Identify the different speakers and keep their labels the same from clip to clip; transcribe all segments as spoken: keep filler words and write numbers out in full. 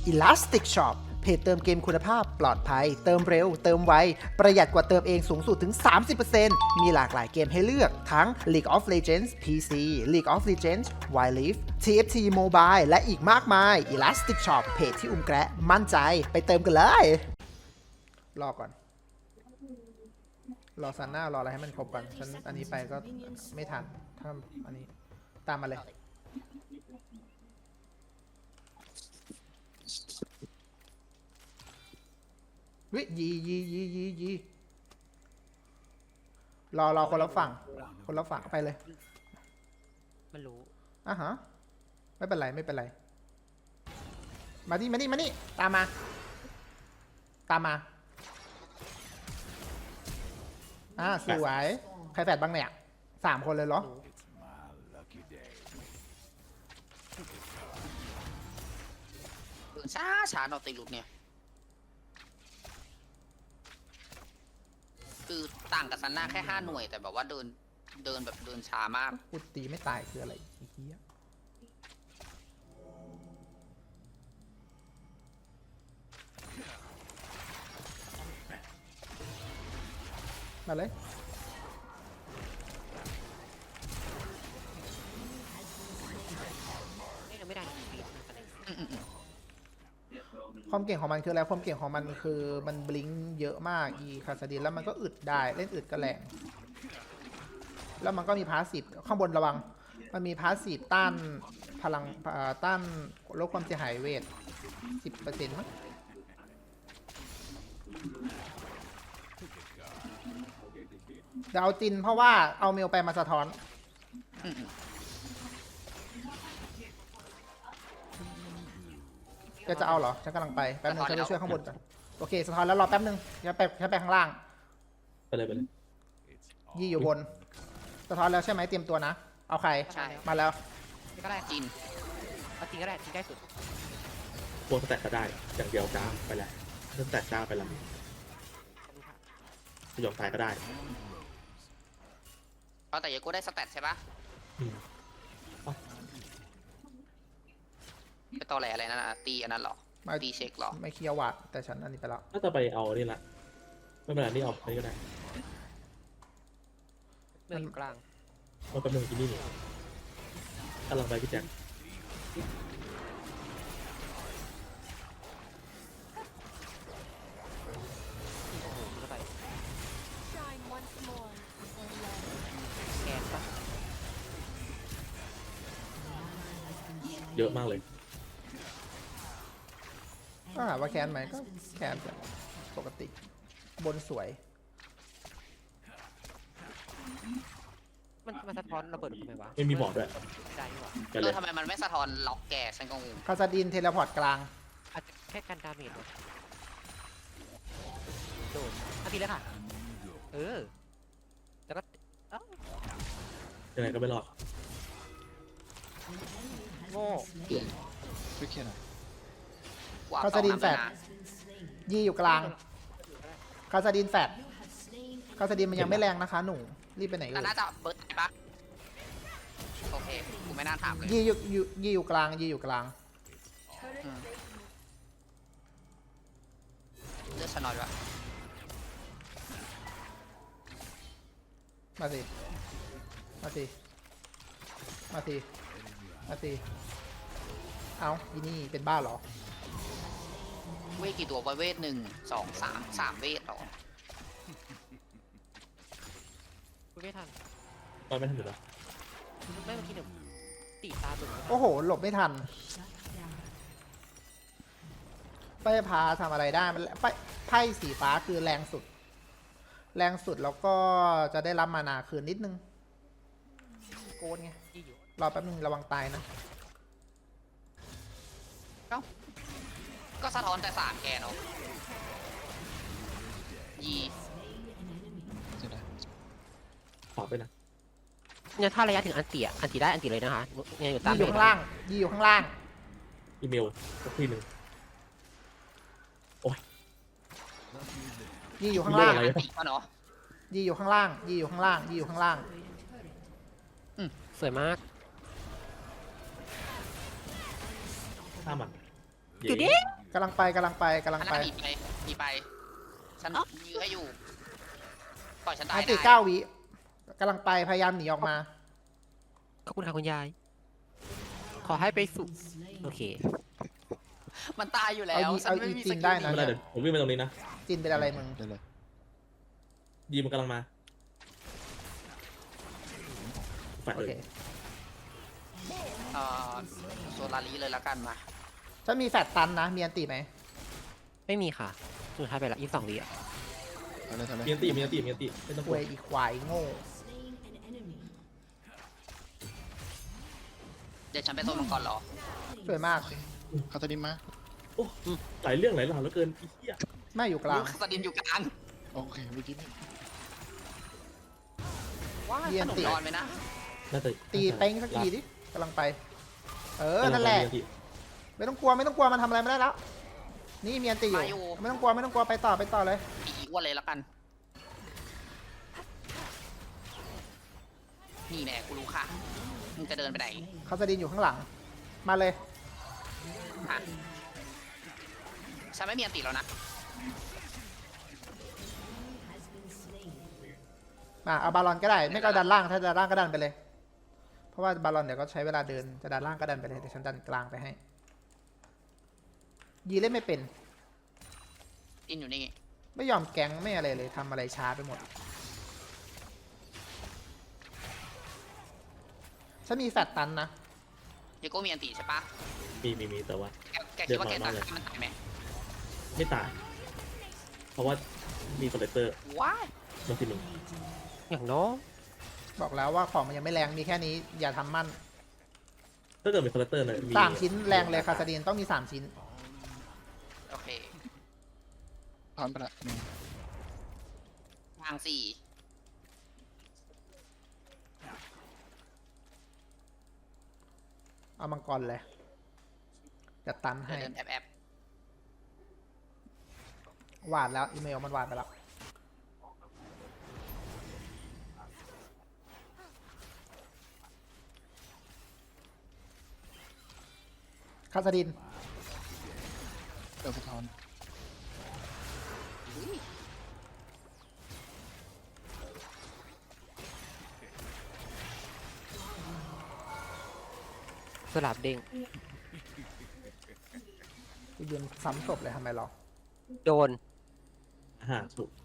Speaker 1: Elastic Shop เพจเติมเกมคุณภาพปลอดภัยเติมเร็วเติมไวประหยัดกว่าเติมเองสูงสุดถึง สามสิบเปอร์เซ็นต์ มีหลากหลายเกมให้เลือกทั้ง League of Legends พี ซี League of Legends Wild Rift ที เอฟ ที Mobile และอีกมากมาย Elastic Shop เพจที่อุ้มแกะมั่นใจไปเติมกันเลยรอก่อนรอซันหน้ารออะไรให้มันครบก่อนฉันอันนี้ไปก็ไม่ทันถ้าอันนี้ตามมาเลยวิยียียียียีรอรอคนละฝั่งคนละฝั่งไปเลย
Speaker 2: มันรู้
Speaker 1: อ่ะฮะไม่เป็นไรไม่เป็นไรมานี่มานี่มานี่ตามมาตามมาอ่าสวยใครแฝดบ้างเนี่ยสามคนเลยเหรอ
Speaker 2: ช้าช้าเราตีหลุดเนี่ยคือต่างกับซันน่าแค่ห้าหน่วยแต่แบบว่าเดินเดินแบบเดินช้ามาก
Speaker 1: กูตีไม่ตายคืออะไรไอ้เหี้ยมาเลย
Speaker 2: ไม่ได้
Speaker 1: ความเก่งของมันคืออะไรความเก่งของมันคือมันบลิงเยอะมากอีคาสดินแล้วมันก็อึดได้เล่นอึดก็แรงแล้วมันก็มีพาสซีฟข้างบนระวังมันมีพาสซีฟต้านพลังต้านลดความเสียหายเวท สิบเปอร์เซ็นต์ มั้งเดี๋ยวเอาจินเพราะว่าเอาเมลไปมาสะท้อนก็จะเอาเหรอฉันกำลังไปแป๊บนึงฉันไปช่วยข้างบนก่อนโอเคสะท้อนแล้วรอแป๊บนึงฉันไปฉันไปข้างล่าง
Speaker 3: ไปเลยไปเลย
Speaker 1: ยี่อยู่บนสะท้อนแล้วใช่ไหมเตรียมตัวนะเอาใครมาแล้ว
Speaker 2: ก็ได้จินเอาจินก็ได้จินได้สุด
Speaker 3: พวกสแต็กก็ได้อย่างเดียวจ้าไปแล้วเรื่องสแต็กจ้าไปแล้วยอมตายก็ได้
Speaker 2: เอาแต่ยากูได้สแตทใช่ปะไปต่อแหล่อะไรนั่นนะตีอันนั้นหรอตีเช็คหรอ
Speaker 1: ไม่เคียววัดแต่ฉันอันนี้ไปแล้ว
Speaker 3: น่าจะไปเอานี่ละไม่เป็นไรนี่เอาไปก็ได้
Speaker 2: เรื่องกลาง
Speaker 3: มันเป็นหนึ่งที่นี่กำลังไปพี่แจ็คเยอะมากเลย
Speaker 1: ก็ถามว่าแคนไหมก็แคนปกติบนสวย
Speaker 2: มันมันสะท้อนระเบิดทำไมวะ
Speaker 3: ไม่มีบอกด้วย
Speaker 2: ได้ดีกว่าเออทำไมมันไม่สะท้อนล็อกแกฉันก็งง
Speaker 1: คาซาดินเทเลพอร์ตกลาง
Speaker 2: อาจจะแค่การดาเมจโดนอาทีแล้วค่ะเออแล้วก็
Speaker 3: ยังไงก็ไม่รอด
Speaker 2: โง่
Speaker 4: ไม่เคียนหรอ
Speaker 1: คาซาดินแฟดยี่อยู่กลางคาซาดินแฟดคาซาดินมันยังไม่แรงนะคะหนูรีบไปไหนเอ่ย
Speaker 2: น่าจะเบิร์ดปะโอเคกูไม่น่าถามเลย
Speaker 1: ยี่อยู่ยี่อยู่กลางยี่อยู่กลาง
Speaker 2: เลือดชนอยด้วย
Speaker 1: มาสิมาสิมาสิมาสิเอาอีนี่เป็นบ้าเหรอ
Speaker 2: เวทกี่ตัวเวทหนึ่งสองสามสามเวทหรอไม่ทัน
Speaker 3: ตอนไม่ทันอยู่แล้ว
Speaker 2: ไม่เมื่อกี้หนึ่งตีตาตุ่ม
Speaker 1: โอ้โหหลบไม่ทันไพ่พาทำอะไรได้มันไพ่ไพ่สีฟ้าคือแรงสุดแรงสุดแล้วก็จะได้รับมานาคืนนิดนึงโกนไงรอแป๊บนึงระวังตายนะ
Speaker 2: เอ้าก็สะท้อนแต่สามแกเนาะยี
Speaker 3: ขอไปนะ
Speaker 2: เนี่ยถ้าระยะถึงอันตีอันตีได้อันตีเลยนะคะเนี่ยอยู่ตาม
Speaker 1: ยี่อยู่ข้างล่างยี่อยู่ข้างล่าง
Speaker 3: อีเมลสักทีหนึ่งโอ้ย
Speaker 1: ยี่อยู่ข้างล่าง
Speaker 2: ยี่
Speaker 1: อยู่ข้างล่างยี่อยู่ข้างล่างยี่อยู่ข้างล่าง
Speaker 2: สวยมาก
Speaker 3: ถ้ามัน
Speaker 5: อยู่ดิ
Speaker 1: กำลังไปกำลังไปกำลัง
Speaker 2: อัน
Speaker 1: ไป
Speaker 2: นั้นมีไปมีไป ฉันยื้อให้อยู่ ปล่อยฉันตา
Speaker 1: อั
Speaker 2: ย
Speaker 1: นติ
Speaker 2: ได้
Speaker 1: เก้าวิกำลังไปพยายามหนีออกมา
Speaker 5: ขอบคุณค่ะคุณยาย ขอให้ไปสู่โอเค
Speaker 2: มันตายอยู่แล้
Speaker 1: เอา
Speaker 2: ว
Speaker 1: ยี
Speaker 2: ฉัน
Speaker 1: เอา
Speaker 2: ไม่
Speaker 1: อี
Speaker 2: มี
Speaker 1: จี
Speaker 2: ส
Speaker 1: น
Speaker 2: กิ
Speaker 1: ได้
Speaker 2: ล
Speaker 1: นะ
Speaker 3: ไม่เป็นไรเดี๋ยวผมวิ่งไปตรงนี้นะ
Speaker 1: จีนเป็นอะไรมึง
Speaker 4: ได้เลย
Speaker 3: ยีมันกำลังมาแฟด
Speaker 1: โอ
Speaker 3: เล
Speaker 1: เค
Speaker 3: ย
Speaker 2: เอ่อโซลารีเลยละกันมา
Speaker 1: ถ้ามีแฟดตันนะ มีอันติไหม
Speaker 5: ไม่มีค่ะสุดท้ายไปละยี่สิบสองวิอ่ะ
Speaker 4: ทำเลยทำเลย
Speaker 3: มีอันตีมีอันตีมีอันตีไม่ต้องก
Speaker 1: ค
Speaker 3: ลัว
Speaker 1: วยอีควายโง่
Speaker 2: เดี๋ยวฉันไปโซนมังกรรอ
Speaker 1: สวยมาก
Speaker 4: คาตาดินมา
Speaker 3: โอ้หลายเรื่องหลายราวแล้วเกินไอ้เหี้ย
Speaker 1: ไม่อยู่กลาง
Speaker 2: ลูกสดินอยู่กลาง
Speaker 4: โอเคเมื่อกี้นี่
Speaker 2: ว้า
Speaker 1: เรีย
Speaker 2: ข
Speaker 1: น
Speaker 2: นม
Speaker 1: ติ
Speaker 2: ร้อนไหมนะ
Speaker 3: น่าจะ
Speaker 1: ตีเป้งสักทีดิกำลังไป เออ นั่นแหละ
Speaker 3: มีอัตี
Speaker 1: ไม่ต้องกลัวไม่ต้องกลัวมันทำอะไรไม่ได้แล้ว นี่มีอันติอยู่ ไม่ต้องกลัวไม่ต้องกลัวไปต่อไปต่อเลย
Speaker 2: ปีอ้วนเลยละกัน นี่แน่กูรู้ค่ะ มึงจะเดินไปไหน
Speaker 1: คาสดินอยู่ข้างหลัง มาเลย
Speaker 2: ฮะฉันไม่มีอันติแล้วนะ
Speaker 1: มาเอาบาลอนก็ได้ ไม่ก็ดันล่าง ถ้าดันล่างก็ดันไปเลย เพราะว่าบาลอนเดี๋ยวก็ใช้เวลาเดิน จะดันล่างก็ดันไปเลยเดี๋ยวฉันดันกลางไปให้ ยีเล่นไม่เป็น
Speaker 2: อินอยู่นี่
Speaker 1: ไม่ยอมแก๊งไม่อะไรเลยทำอะไรช้าไปหมด ฉันมีแฟตตันนะ
Speaker 2: เดโก้มีอันติใช่ปะ
Speaker 3: มีมีมีแต่ว่า
Speaker 2: แกแกคิดว่าแก
Speaker 3: เดี๋
Speaker 2: ตา
Speaker 3: ยว
Speaker 2: ย
Speaker 3: รอรอเลย
Speaker 2: มันตายไหม
Speaker 3: ไม่ตาย เพราะว่ามีคอลเลกเตอร์
Speaker 2: ว้าย
Speaker 3: มาทีหนึ่ง
Speaker 5: อย่างน้อย
Speaker 1: บอกแล้วว่าของมันยังไม่แรง มีแค่นี้ อย่าทำมั่น
Speaker 3: ถ้าเกิดมีคอลเลกเตอร์เนี่ยมี
Speaker 1: สามชิ้นแรงเลยคาสดินต้องมีสามชิ้น
Speaker 2: โอเค
Speaker 4: ผ่านไปละหนึ่ง
Speaker 2: ทางสี่
Speaker 1: เอามังกรเลยจะตัน
Speaker 2: เดิ
Speaker 1: ให้
Speaker 2: นแอบแอบ
Speaker 1: วาดแล้ว อีเมลมันวาดไปแล้ว คาสดิน
Speaker 4: เดี๋ยวสะท้อน
Speaker 2: อุ๊ย
Speaker 5: สลับเด้ง
Speaker 1: กูยืนซ้ำศพเลยทำไมหรอ
Speaker 5: โดน
Speaker 3: ห้าถูก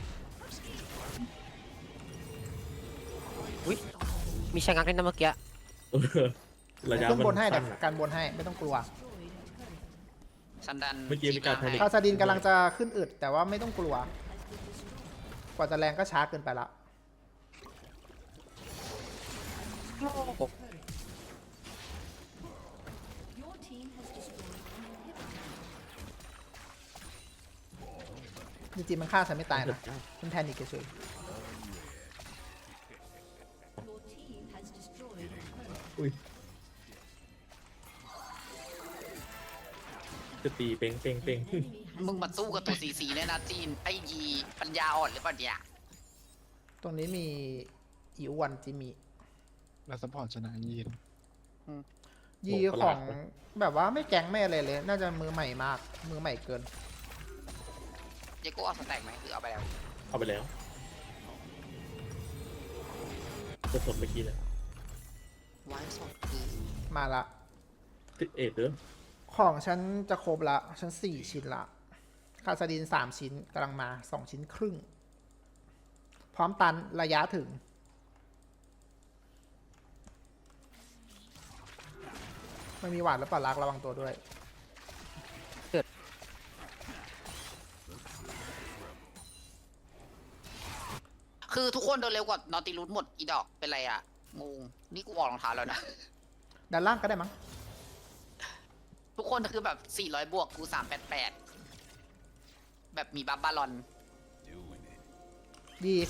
Speaker 5: อุ้ยมีชะงักเล่นนะเมื่อกี้
Speaker 3: เออระยะ
Speaker 1: ขึ้น
Speaker 3: มัน
Speaker 1: บนให้
Speaker 3: สั้
Speaker 1: แต่
Speaker 3: นอะ
Speaker 1: การบนให้ไม่ต้องกลัว
Speaker 2: ฉันดัน
Speaker 3: เมื่อกี้มีการ
Speaker 2: ที
Speaker 3: แพนิค
Speaker 1: คาสดินกำลังจะขึ้นอึดแต่ว่าไม่ต้องกลัว กว่าจะแรงก็ช้าเกินไปละ จริงๆมันฆ่าฉันไม่ตายนะฉันแพนิคเฉย
Speaker 3: อุ้ยจะตีเป้งเป้งเป้ง
Speaker 2: มึงมาสู้กับตัวซีซีเนี่ยนะจีน ไอยีปัญญาอ่อนหรือเปล่าเนี่ย
Speaker 1: ๆตรงนี้มีอีอ้วันจิมี
Speaker 4: แล้วซัพพอร์ตชนะยีน
Speaker 1: ยีของแบบว่าไม่แก๊งไม่อะไรเลย น่าจะมือใหม่มาก มือใหม่เกิน
Speaker 2: เดโก้เอาสแต็กไหมหรือเอาไปแล้ว
Speaker 3: เอาไปแล้วจะสดเมื่อกี้เลย
Speaker 2: ไว้สดคือ
Speaker 1: มาละ
Speaker 3: ติดเอ็ดเด้อ
Speaker 1: ของฉันจะครบละ ฉันสี่ชิ้นละ คาสดินสามชิ้นกำลังมาสองชิ้นครึ่ง พร้อมตันระยะถึง ไม่มีหวาดแล้วปล่ารักระวังตัวด้วย
Speaker 2: คือทุกคนเดินเร็วกว่านอติลูดหมดอีดอกเป็นไรอะงงนี่กูออกรองเท้าแล้วนะ
Speaker 1: ด้านล่างก็ได้มั้ง
Speaker 2: ทุกคนคือแบบสี่ร้อยบวกกูสามแปดแปดแบบมีบัฟบาลอน
Speaker 1: ดี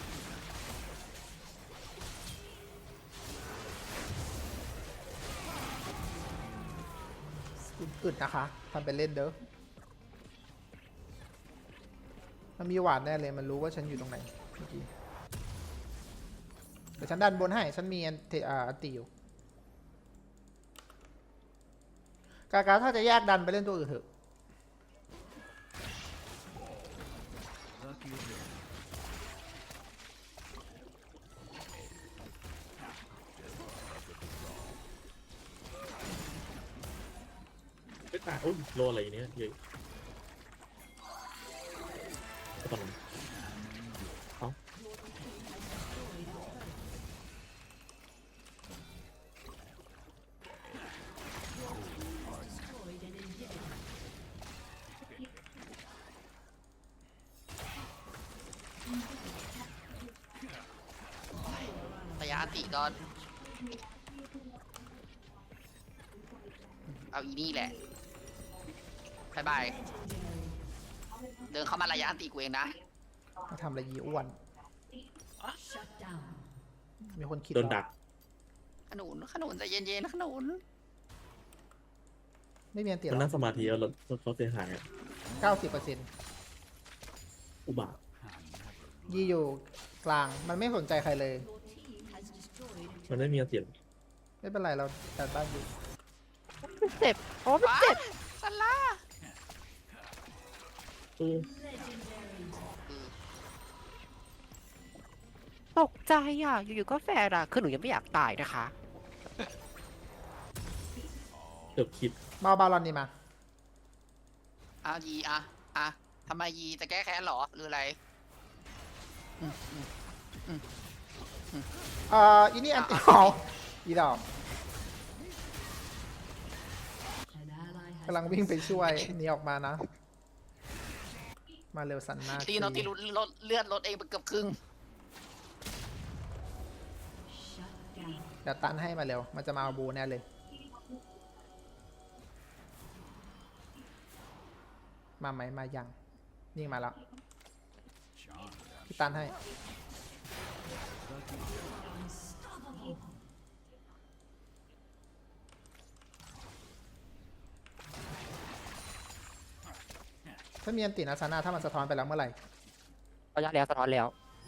Speaker 1: อึดนะคะทำเป็นเล่นเด้อ มันมีหวานแน่เลย มันรู้ว่าฉันอยู่ตรงไหนเมื่อกี้เดี๋ยวฉันดันบนให้ ฉันมีอันเทอ่าอันตีอยู่กากาถ้าจะแยกดันไปเล่นตัวอื่นเถอะ
Speaker 3: ไม่ตายโอ้ยโลอะไรอย่างเนี้ยเยอะก็ตอนนั้นเอ้า
Speaker 2: ระยะอันติก็เอาอีนี่แหละบายบายเดินเข้ามาระยะอันติกูเองนะ
Speaker 1: มาทำอะไรยีอ้วน มีคนคิด
Speaker 3: โดนดัก
Speaker 2: ขนุนขนุนใจเย็นๆนะขนุน
Speaker 1: ไม่มีอันเตีย
Speaker 3: มัน
Speaker 1: หร
Speaker 3: นั่
Speaker 1: อง
Speaker 3: สมาธิแล้วรถเขาเสียหายอะ
Speaker 1: เก้าสิบเปอร์เซ็นต์
Speaker 3: อุบาท
Speaker 1: ยีอยู่กลาง มันไม่สนใจใครเลย
Speaker 3: มันไม่มีเสียง
Speaker 1: ไม่เป็นไรเราจัดบ้านอยู่
Speaker 5: เจ็บโอ้มัน
Speaker 2: ว้า
Speaker 5: เจ็บ
Speaker 2: สลา
Speaker 3: เออ
Speaker 5: ตกใจอ่ะ อยู่ๆก็แฟร์อ่ะ คือหนูยังไม่อยากตายนะคะ
Speaker 3: เกือบคิด
Speaker 1: มาเอาบาลอนนี่มา
Speaker 2: เอายีอะอะทำไมยีจะแก้แค้นเหรอหรืออะไรอืมอืมอืม
Speaker 1: เอ่ออีนี่อันตีเอาอีดอกกำลังวิ่งไปช่วยหนีออกมานะ มาเร็วสันมาก
Speaker 2: ตีโนตีรุลดเลือดลดเองไปเกือบครึ่ง
Speaker 1: เดี๋ยวตันให้มาเร็ว มันจะมาเอาบูแน่เลย มาไหมมายังนิ่งมาแล้วพี่ตันให้ ถ้ามีอันตินาซาน่าถ้ามันสะท้อนไปแล้วเมื่อไหร่
Speaker 5: ระยะแล้วสะท้อนแล้ว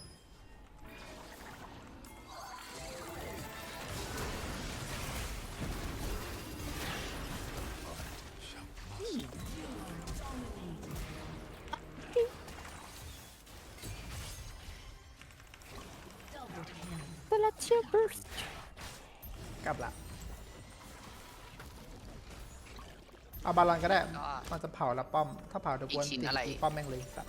Speaker 5: เวลาเชียร์บูส
Speaker 1: กลับละเอาบาลอนก็ได้
Speaker 2: ก็
Speaker 1: มันจะเผาแล้วป้อม ถ้าเผาเดี๋ยวกวน
Speaker 2: อีกชิ้น
Speaker 1: ติด
Speaker 2: อะไร
Speaker 1: ป้อมแม่งเลยสัตว์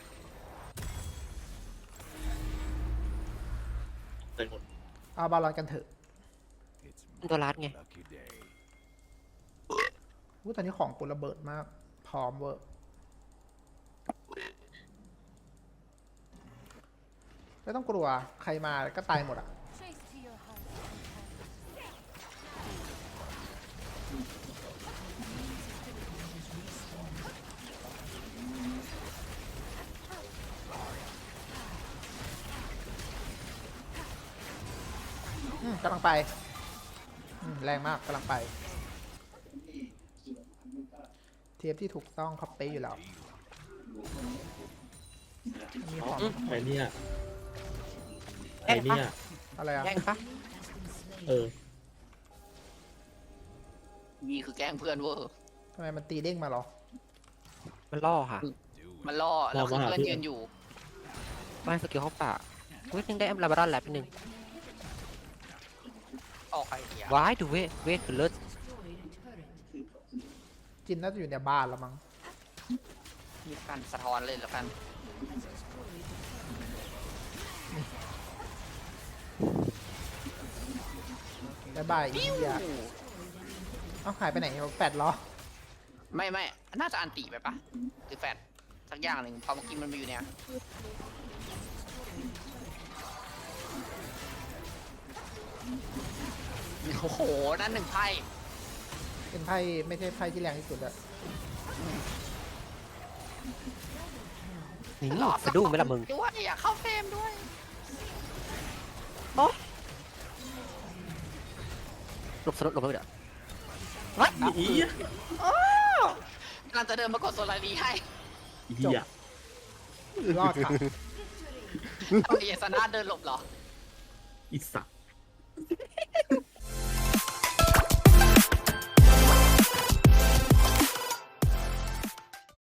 Speaker 3: เต็มหมด
Speaker 1: เอาบาลอนกันเถอะ
Speaker 5: ตัวรัดไง
Speaker 1: อู้ตอนนี้ของกูระเบิดมาก พร้อมเวอร์ ไม่ต้องกลัว ใครมาก็ตายหมดอ่ะ อืมกำลังไปอืมแรงมากกำลังไป เทียบที่ถูกต้องเขาเป๊ะอยู่แล้ว มีของ
Speaker 3: ใครเนี่ยใครเนี่ย
Speaker 1: อะไรอ่ะ
Speaker 5: แย่งปะ
Speaker 3: เออ
Speaker 2: ยีคือแกล้งเพื่อนเวอร์
Speaker 1: ทำไมมันตีเด้งมาเหรอ
Speaker 5: มันล่อค่ะ
Speaker 2: มันล่อแล้วคือ
Speaker 3: ล่อมาหา
Speaker 2: เพื่อน
Speaker 3: เพื่อน
Speaker 2: ยืนอยู่
Speaker 5: บ้านสกิลเข้าป่าวินึงได้แอมลาบารอนแลบนึง
Speaker 2: ออกไอเดีย
Speaker 5: ว้ายดูเวทเวทคือเลิศ
Speaker 1: จินน่าจะอยู่ในบ้านแล้วมั้ง
Speaker 2: มีการสะท้อนเลยแล้วกัน
Speaker 1: บายบายอีเดียเอาหายไปไหนแปดล้อ
Speaker 2: ไม่ไม่น่าจะอันติไปปะหรือแฟดสักอย่างหนึ่งพอเมื่อกี้มันมาอยู่เนี่ยโอ้โห นั่นหนึ่งไพ่
Speaker 1: เป็นไพ่ไม่ใช่ไพ่ที่แรงที่สุดอะ
Speaker 5: นี่สะดุ้งไหมล่ะมึง
Speaker 2: ด้วยอยากเข้าเฟรมด้วย
Speaker 5: หลบสลดหลบไปเดี๋ยววัด
Speaker 3: อี
Speaker 2: กำลังจะเดินมากดโซลารีให้
Speaker 3: อีอ่ะ
Speaker 1: รอดค่ะ
Speaker 2: เอาเอสนาเดินหลบเหรอ
Speaker 3: อีสัตว์